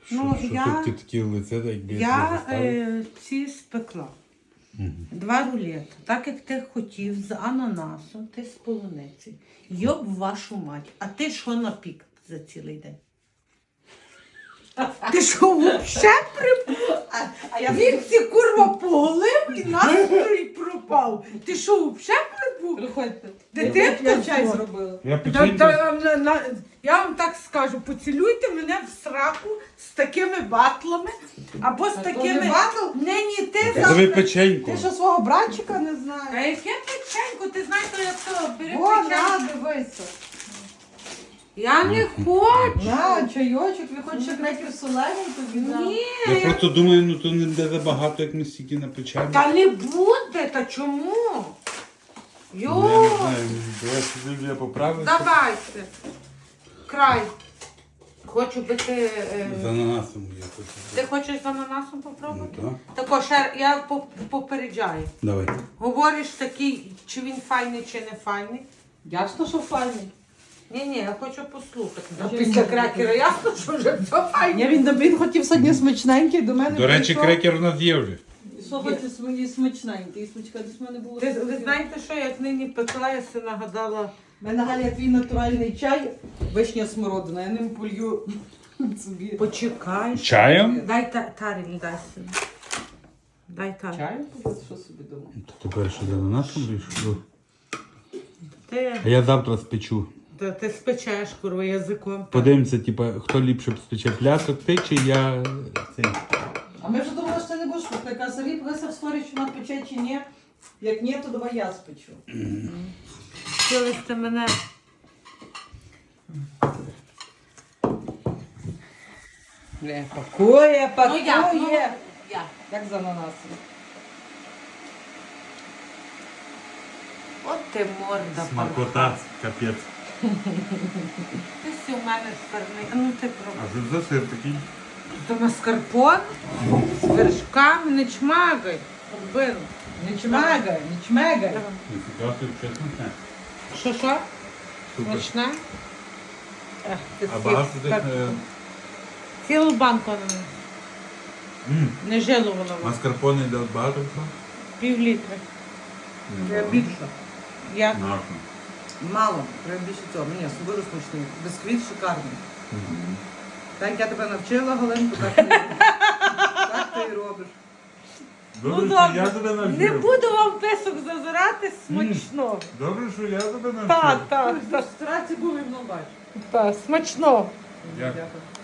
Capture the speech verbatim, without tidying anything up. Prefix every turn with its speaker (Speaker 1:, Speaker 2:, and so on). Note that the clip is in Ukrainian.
Speaker 1: Ну,
Speaker 2: що
Speaker 1: я-
Speaker 2: тут ти такі лице, так якби
Speaker 1: Я
Speaker 2: заставив?
Speaker 1: е, ці спекла. Два рулети. Так як ти хотів з ананасом, ти з полуниці. Йоб вашу мать. А ти що напік за цілий день? Ти що, взагалі прип... А я він ці курва поголив і настрій пропав. Ти що, взагалі припув?
Speaker 3: Приходьте.
Speaker 1: Дитинка
Speaker 3: Я чай
Speaker 1: твоя?
Speaker 3: зробила.
Speaker 2: Я
Speaker 1: Та-
Speaker 2: печеньку...
Speaker 1: та, на- на- Я вам так скажу, поцілуйте мене в сраку з такими батлами, або з
Speaker 3: Та то
Speaker 1: такими...
Speaker 3: не батл?
Speaker 1: Не, ні, ти
Speaker 2: Зроби
Speaker 1: завтра...
Speaker 2: печеньку.
Speaker 3: Ти що свого братчика не
Speaker 1: А
Speaker 3: знаєш?
Speaker 1: яке печенько? Ти знаєш, що я то бери
Speaker 3: О, на,
Speaker 1: печенько.
Speaker 3: дивися.
Speaker 1: Я не хочу.
Speaker 3: На, чайочок, ви хочете крекер солений тобі? дам?
Speaker 1: Ні,
Speaker 2: Я
Speaker 1: я...
Speaker 2: просто думаю, ну то не буде забагато, як ми стільки напечемо.
Speaker 1: Та не буде, та чому?
Speaker 2: Ну,
Speaker 1: Йо,
Speaker 2: я не знаю, давай сюди я поправився.
Speaker 1: давайте. Край. Хочу би ти... е,
Speaker 2: З ананасом я хочу.
Speaker 1: Ти хочеш з ананасом попробувати?
Speaker 2: Ну,
Speaker 1: Також ще я поп- попереджаю.
Speaker 2: Давай.
Speaker 1: Говориш такий, чи він файний, чи не файний.
Speaker 3: Ясно, що файний.
Speaker 1: Ні, ні, я хочу послухати. А
Speaker 3: Вже
Speaker 1: після
Speaker 3: ні.
Speaker 1: крекера ясно, що вже все файне.
Speaker 3: Ні, він, він хотів сьогодні смачненький, до мене
Speaker 2: До речі,
Speaker 3: прийшов.
Speaker 2: крекер у нас є вже.
Speaker 3: І що хоче свої смачненький? І смачка десь в мене було.
Speaker 1: Ви, ви знаєте, що як нині пекла, я си нагадала.
Speaker 3: У мене Галя твій натуральний чай, вишня смородина, я ним полью собі.
Speaker 1: Почекай.
Speaker 2: Чаєм?
Speaker 1: Дай та, таріль, дай сюди. Дай таріль.
Speaker 3: Чаю? Що собі думав?
Speaker 2: То тепер що з ананасом вийшло?
Speaker 1: Ти,
Speaker 2: А я завтра спечу.
Speaker 1: та, ти спечеш, курва, язиком.
Speaker 2: Подивимося, типа, хто ліпше спече плясок, ти чи я цей.
Speaker 3: А ми вже думали, що ти не будеш пекти. Яка Сергій писав в сторі, чи вона пече, чи ні. Як ні, то давай я спечу.
Speaker 1: Хотіли ти мене.
Speaker 3: Не, пакує,
Speaker 1: Ну як? Ну,
Speaker 3: пакує.
Speaker 1: як?
Speaker 3: Як з ананасом.
Speaker 1: От ти морда.
Speaker 2: Смакота, капець.
Speaker 1: Ти сі у мене сперний. А ну ти пробуй.
Speaker 2: А що за сир такий?
Speaker 1: То маскарпон з вершками, не чмагай. Оббину.
Speaker 3: Не чмегай, не чмегай.
Speaker 2: Ніфіга собі, чесно не.
Speaker 1: Що, що?
Speaker 2: Супер.
Speaker 1: Смачне? Ех, ти
Speaker 2: А
Speaker 1: всі
Speaker 2: багато тих...
Speaker 1: так-
Speaker 2: е,
Speaker 1: Цілу банку на мене.
Speaker 2: м,
Speaker 1: Не жило воно. вам.
Speaker 2: Маскарпоне йде багато всього?
Speaker 1: Пів літри.
Speaker 3: Я більше.
Speaker 1: Як?
Speaker 2: Нашу.
Speaker 3: Мало, треба більше цього. Ні, дуже смачний. Бисквіт шикарний. Так як я тебе навчила, Галенко, так ти, так ти і робиш.
Speaker 2: Добре,
Speaker 1: Ну
Speaker 2: що
Speaker 1: добре.
Speaker 2: я тебе навчив.
Speaker 1: Не буду вам писок зазирати смачно.
Speaker 2: Добре, що я тебе навчив.
Speaker 1: Так, так, так.
Speaker 3: Старатися був і мною бачиш.
Speaker 1: Та, смачно.
Speaker 2: Дякую.
Speaker 3: Дякую.